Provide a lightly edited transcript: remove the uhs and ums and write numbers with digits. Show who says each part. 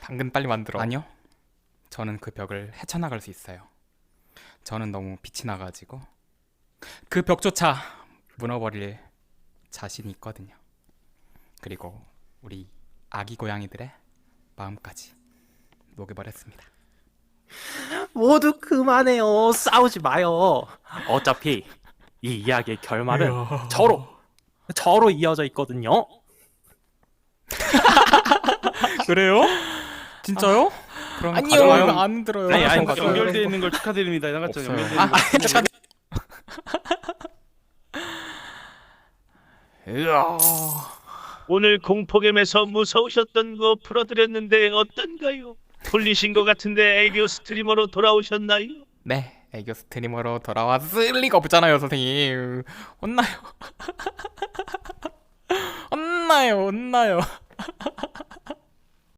Speaker 1: 당근 빨리 만들어. 아니요, 저는 그 벽을 헤쳐나갈 수 있어요. 저는 너무 빛이 나가지고 그 벽조차 무너버릴 자신이 있거든요. 그리고 우리 아기 고양이들의 마음까지 녹여버렸습니다.
Speaker 2: 모두 그만해요. 싸우지 마요. 어차피 이 이야기의 결말은 저로 이어져 있거든요.
Speaker 1: 그래요? 진짜요? 그럼
Speaker 2: 아니요.
Speaker 1: 가져와요. 안 들어요.
Speaker 2: 아니,
Speaker 1: 한번 가져와요.
Speaker 3: 연결되어 있는 걸 축하드립니다. 나갔죠.
Speaker 1: 없어요.
Speaker 3: 연결되어 있는 걸
Speaker 1: 으아.
Speaker 4: 오늘 공포겜에서 무서우셨던 거 풀어드렸는데 어떤가요? 풀리신 것 같은데 애교 스트리머로 돌아오셨나요?
Speaker 1: 네, 애교 스트리머로 돌아왔을 리가 없잖아요, 선생님. 혼나요. 혼나요.